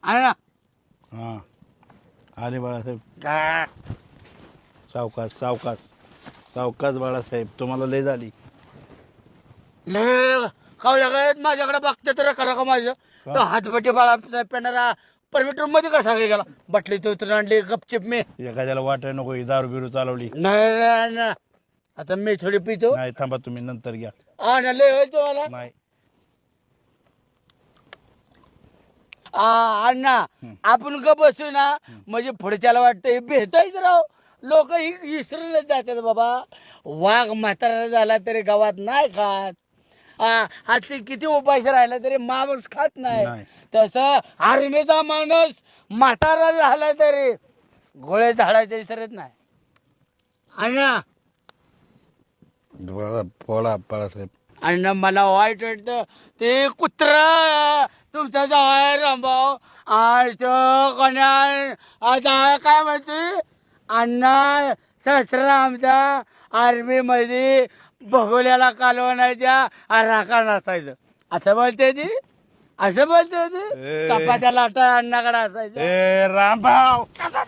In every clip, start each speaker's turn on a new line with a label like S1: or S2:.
S1: आहे ना.
S2: हा आले बाळासाहेब.
S1: काय
S2: सावकाश सावकाश सावकाश बाळासाहेब, तुम्हाला लय झाली.
S1: लय खाऊ माझ्याकडे बघते तर करा का माझं
S2: का?
S1: तो हातपट्टी बाळासाहेब पेणारा परमिटर मध्ये कसा गेला बटली तो उतरून आणली गपचिप मी.
S2: एखाद्याला वाटाय नको ही दारू बिरू चालवली.
S1: नाही आता मी थोडी पितो.
S2: नाही थांबा, तुम्ही नंतर घ्या.
S1: लय होतो मला
S2: नाही
S1: अण्णा आपण ग बसू ना म्हणजे पुढच्याला वाटतं हे भेटायच राव. लोक इसरूनच जातात बाबा. वाघ म्हातारा झाला तरी गावात नाही खात. हाती किती उपायचं राहिला तरी माणूस खात नाही.
S2: नाही.
S1: तसं आर्मीचा माणूस म्हातारा झाला तरी गोळे झाडायचे विसरत नाही. अण्णा
S2: बोला बाळासाहेब.
S1: अण्णा मला वाईट वाटतं ते कुत्रा तुमचा जाय रामभाऊ आणि तो कोणा काय म्हणते अण्णा सासरा आमचा आर्मी मध्ये भगोल्याला कालवण्याच्या राखा नसायचं असं बोलते ती. असं बोलते ती चपात्या लाटा अण्णाकडे असायचं.
S2: ए रामभाऊ.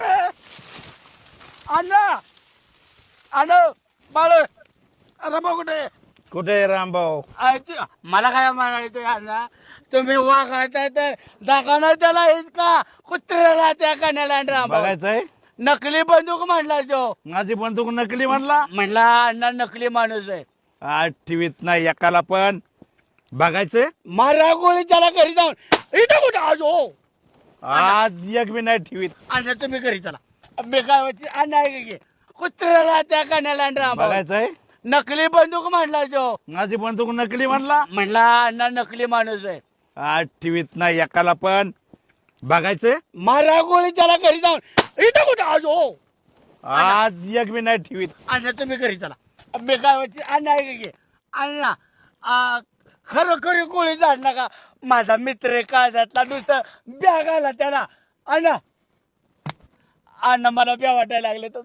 S1: अण्णा अण्णा बाळ रामभाऊ कुठे
S2: कुठे आहे रामभाऊ?
S1: मला काय म्हणायचं अण्णा तुम्ही वागायचा तर दाखवणार त्याला हेच का कुत्र्याला त्या कण्याला रामभाऊ.
S2: बघायचंय
S1: नकली बंदूक म्हणला तो.
S2: माझी बंदूक नकली म्हणला.
S1: म्हणला अण्णा नकली माणूस आहे.
S2: आज टीव्हीत नाही एकाला पण. बघायचंय
S1: मारा गोळी त्याला घरी जाऊन इथं कुठं आज हो
S2: आज एक बी नाही टीव्हीत.
S1: अण्णा तुम्ही घरी चला बेकार अण्णा आहे की कुत्र्याला त्या कण्याला रामभाऊ.
S2: बघायचंय
S1: नकली बंदूक म्हणला तो.
S2: माझी बंदूक नकली म्हणला.
S1: म्हणला अण्णा नकली माणूस आहे.
S2: आज टीव्हीत नाही एकाला पण. बघायचंय
S1: मारा गोळी त्याला घरी जाऊन इथं कुठं आज हो
S2: आज एक बी नाही टीव्हीत.
S1: अण्णा तुम्ही घरी चला बेकार अण्णा आहे की अण्णा खरोखरी गोळी झाड नका. माझा मित्र आहे काळजातला नुसतं ब्याग आला त्याला. अण्णा अण्णा मला ब्या वाटायला लागले तर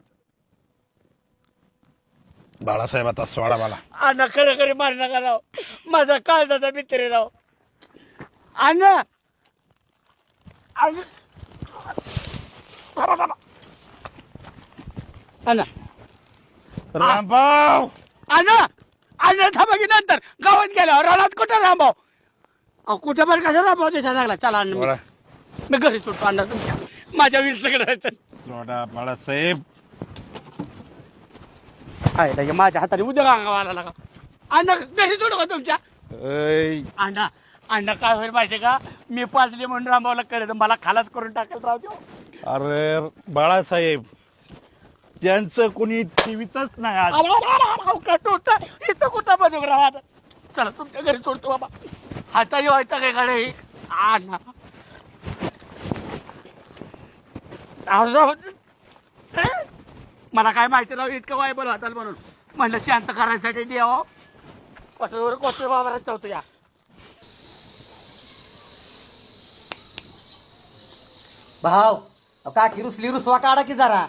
S2: बाळासाहेब आता सोडा मला.
S1: अण्णा खरोखरी मार नका राव. माझा काळजाचा मित्र आहे राव. अण्णा अण्णा
S2: रामभाऊ
S1: अण्णा अण्णा थांबा की नंतर गावात गेल्यावर रानात कुठं रामभाऊ कुठं पण कसा रामभाऊ देशा लागला. चला अण्णा
S2: सोडा
S1: मी घरी सुटतो अण्णा तुमच्या माझ्या वीर सगळं
S2: सोडा बाळासाहेब.
S1: आहे माझ्या हाताने उद्या अंगावाला लागा. अण्णा घरी सोडू का तुमच्या.
S2: ऐ,
S1: अण्णा अण्णा काय होईल माहितीये का मी पाचली म्हणून रामभाऊला कळलं मला खालाच करून टाकेल राव देऊ.
S2: अरे बाळासाहेब त्यांचं कोणी टीव्हीतच नाही आज.
S1: इथं कुठं बनू राव. चला तुमच्या घरी सोडतो बाबा. हाताने व्हायचं काय गाडी अण्णा मला काय माहिती राव इतकं वायबल होताल म्हणून म्हणलं शांत करायसाठी द्यावं. कसं कोसळ बाबा चावतो या.
S3: भाव काठी रुसली रुसवा काढा की जरा.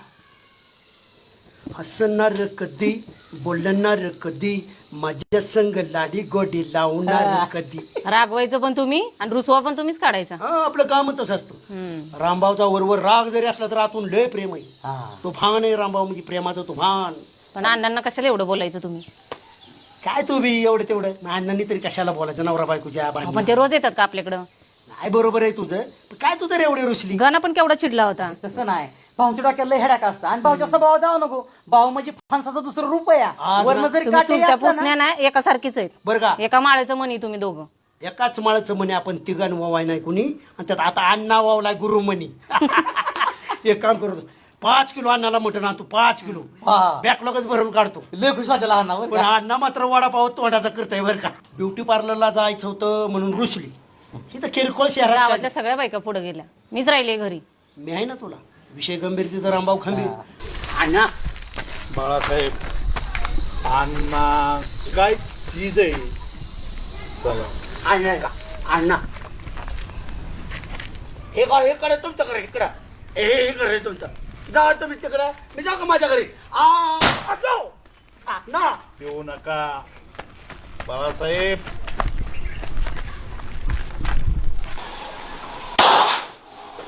S4: हसणार कधी बोलणार कधी माझ्या संग लाडी गोडी लावणार कधी.
S5: रागवायचं पण तुम्ही आणि रुसवा पण तुम्हीच काढायचा.
S4: हा आपलं काम तसं असतं. रामभावचा वरवर राग जरी असला तर आतून लय प्रेम आहे. तुफान आहे रामभाव म्हणजे प्रेमाचं तुफान.
S5: पण अण्णांना कशाला एवढं बोलायचं तुम्ही.
S4: काय तू बी एवढं तेवढं अण्णांनी तरी कशाला बोलायचं नवरा बायकोच्या
S5: पण
S4: भांडणात.
S5: ते रोज येतात का आपल्याकडं.
S4: नाही बरोबर आहे तुझं पण काय तू तर एवढी रुसली.
S5: गाणं पण केवढा चिडला होता.
S3: तसं नाही भाऊच्या डोक्यात लय हेडाक असतं आणि भाऊच्या स्वभाव जाऊ नको. भाऊ म्हणजे फणसाचं दुसरं रूप आहे.
S4: आज
S3: वरनं जरी
S5: तुम्ही
S3: काठी
S5: चुलत्या
S3: घातलं ना,
S5: पुतण्या ना एकासारखीच आहेत.
S4: बरं का
S5: एका माळ्याचं म्हणी तुम्ही दोघं.
S4: एकाच माळाचं म्हणे आपण तिघांन वावाय नाही कुणी आणि त्यात आता अण्णा वावलाय गुरु म्हणी. एक काम करतो 5 किलो अण्णाला मटण आणतो 5 किलो
S3: हा.
S4: बॅकलॉगच भरून काढतो.
S3: लय खुश वाटेल लहान
S4: पण अण्णा मात्र वडापाव तोंडाचा करताय बरं का. ब्युटी पार्लरला जायचं होतं म्हणून रुसली. ही तर किरकोळ शहरात
S5: गावातल्या
S4: काय.
S5: सगळ्या बायका पुढे गेल्या मीच राहिले घरी.
S4: मी आहे ना तुला विषय गंभीर तिथं रामभाऊ खंबीर.
S1: अण्णा
S2: बाळासाहेब अण्णा काय चीज आहे. चला
S1: अण्णा का अण्णा हे का हे कडे तुमचं घर इकडं हे घर आहे तुमचं. जा तुम्ही तिकडं मी जाऊ का माझ्या घरी. ना
S2: येऊ नका बाळासाहेब.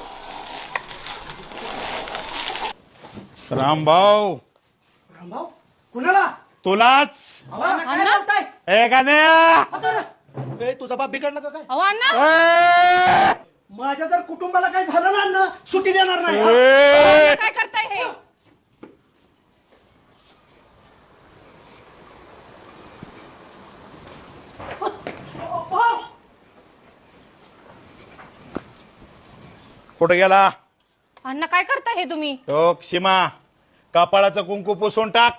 S2: रामभाऊ
S4: रामभाऊ कुणाला
S2: तुलाच
S4: काय बोलताय
S2: ए गाण्या
S4: ए, तुझा बाप बिघडला का काय
S5: अहो अण्णा
S2: ए!
S4: माझ्या जर कुटुंबाला काय झालं ना अण्णा सुट्टी देणार नाही हा?
S2: ए!
S5: काय करताय हे
S2: कुठं गेला
S5: अण्णा काय करताय हे तुम्ही
S2: तो सीमा कपाळाचं कुंकू पुसून टाक